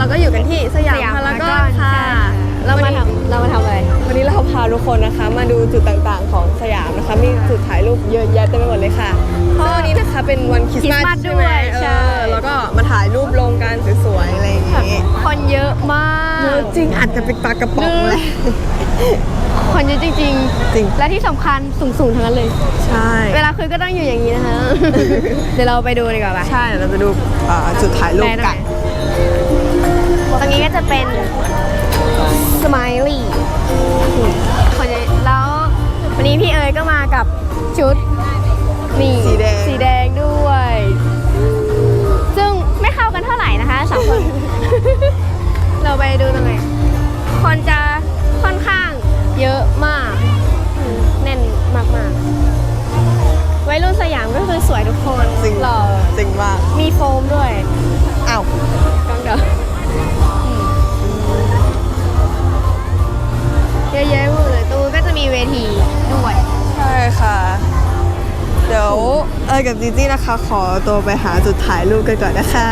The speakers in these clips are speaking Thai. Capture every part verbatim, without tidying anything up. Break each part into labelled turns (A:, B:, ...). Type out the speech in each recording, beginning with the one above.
A: เราก็อยู่กันที่สยามพารากอนค่ะ
B: เรามาทำเรามาทำอะไร
A: วันนี้เราพาทุกคนนะคะมาดูจุดต่างๆของสยามนะคะมีจุดถ่ายรูปเยอะแยะเต็มไปหมดเลยค่ะเพราะวันนี้นะคะเป็นวันคริสต์มาสใช่ไหมเออแล้วก็มาถ่ายรูปลงกันสวยๆอะไรอย่างงี้
B: คนเยอะมาก
A: เยอะจริงอาจจะเป็นปลากระป๋องเลย
B: คนเยอะจริงจริง
A: จริง
B: และที่สำคัญสูงๆทั้งนั้นเลย
A: ใช่
B: เวลาคุยก็ต้องอยู่อย่างนี้นะคะเดี๋ยวเราไปดูดีกว่าป่ะ
A: ใช่เราไปดูจุดถ่ายรูปกัน
B: ตรงนี้ก็จะเป็นสไมลี่คนเยอะแล้ววันนี้พี่เอ๋ยก็มากับชุดนี่
A: สีแดง
B: สีแดงด้วยซึ่งไม่เข้ากันเท่าไหร่นะคะสองคน เราไปดูตรงไหนคนจะค่อนข้างเยอะมากแน่นมากๆวัยรุ่นสยามก็คือสวยทุกคน
A: จริง
B: หล่อ
A: จริงมาก
B: มีโฟมด้วย
A: อ้าว
B: กังเดอเยอะแยะหมดเลยตู้ก็จะมีเวทีด้วย
A: ใช่ค่ะเดี๋ยวเอ๋ยกับจีจี้นะคะขอตัวไปหาจุดถ่ายรูปกันก่อนนะคะ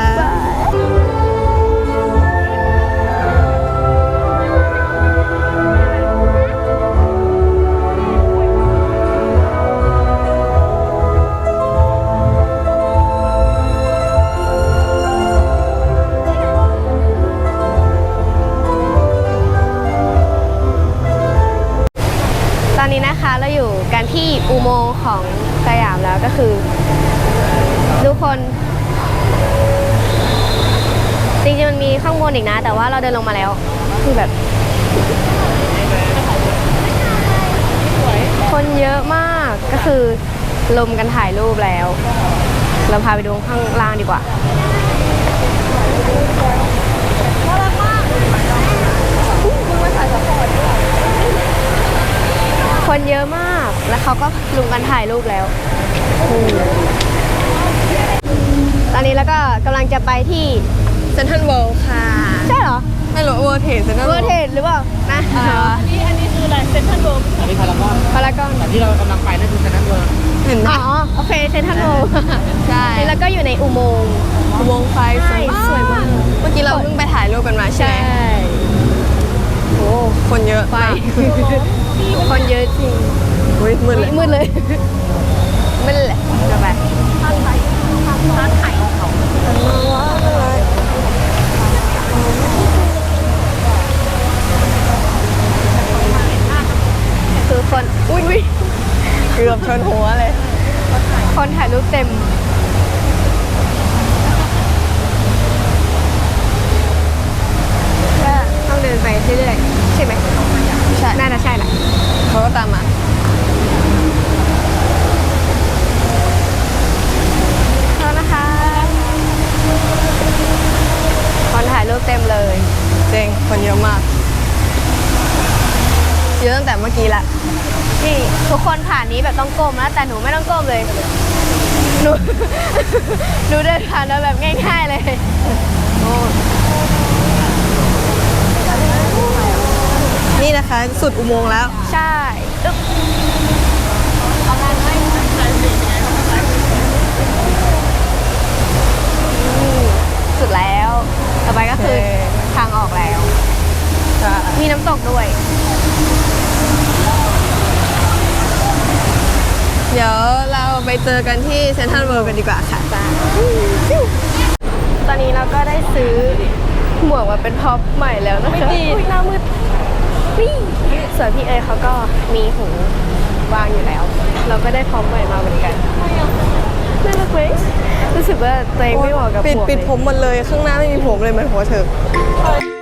B: ตอนนี้นะคะเราอยู่กันที่อุโมงค์ของสยามแล้วก็คือทุกคนจริงๆมันมีข้างบนอีกนะแต่ว่าเราเดินลงมาแล้วคือแบบคนเยอะมากก็คือลมกันถ่ายรูปแล้วเราพาไปดูข้างล่างดีกว่าคนเยอะมากแล้วเขาก็ลุมกันถ่ายรูปแล้วตอนนี้แล้วก็กำลังจะไปที่
A: เซ็นทรัลเวิลด์ค่ะ
B: ใช่เหรอ
A: ไม่รู้เวอร์เทสเซ็นทรัล
B: เวอร์เทสหรือเปล่านะ
C: อันนี้อันนี้คืออะไรเซ็นทรัลเวิลด์อันนี้พารากอน
B: พารากอน
C: แต่ที่เรากำลังไปนั่นคือเซ็นทรัลเวิลด์
A: เห็นไหม
B: อ๋อโอเคเซ็นทรัลเวิลด์
A: ใช่
B: แล้วก็อยู่ในอุโมงค์
A: อุโมงค์ไฟสวยมากเมื่อกี้เราเพิ่งไปถ่ายรูปกันมาใช่ไหมโอ้คนเยอะ
B: ไฟคนเยอะจริง
A: มืดมืดเลย
B: มืดเลยมืดเลยจะไปร้านขายของเขาคือคนอุ้ย
A: เกือบชนหัวเลย
B: คนถ่ายรูปเต็มก็ต้องเดินไปเรื่อยๆใช่ไหม
A: ใช่
B: น่าจะใช่แหละ
A: เขาก็ตามมา
B: แล้วนะคะคนถ่ายรูปเต็มเลย
A: เจ๋งคนเยอะมากเยอะตั้งแต่เมื่อกี้ละ
B: นี่ทุกคนผ่านนี้แบบต้องก้มนะแต่หนูไม่ต้องก้มเลยหนูหนูเดินผ่านแล้วแบบง่ายๆเลย
A: นี่นะคะสุดอุโมงค์แล้ว
B: ใช่สุดแล้วต่อไปก็คือทางออกแล้วมีน้ำตกด้วย
A: เดี๋ยวเราไปเจอกันที่เซ็นทรัลเวิลด์กันดีกว่าค่ะ
B: ตอนนี้เราก็ได้ซื้อหมวกมาเป็นพ็อปใหม่แล้วนะคะ
A: ไม่ดี
B: หน้ามืดนี่ส่วนพี่เอ๋ยเขาก็มีหูวางอยู่แล้วเราก็ได้พ็อปใหม่มาเหมือนกันน่ารักไหมรู้สึกว่าตัวเองไม่เหมาะกับหมวก
A: ปิดปิดผมหมดเลยข้างหน้าไม่มีผมเลยเหมือนหัวเธอ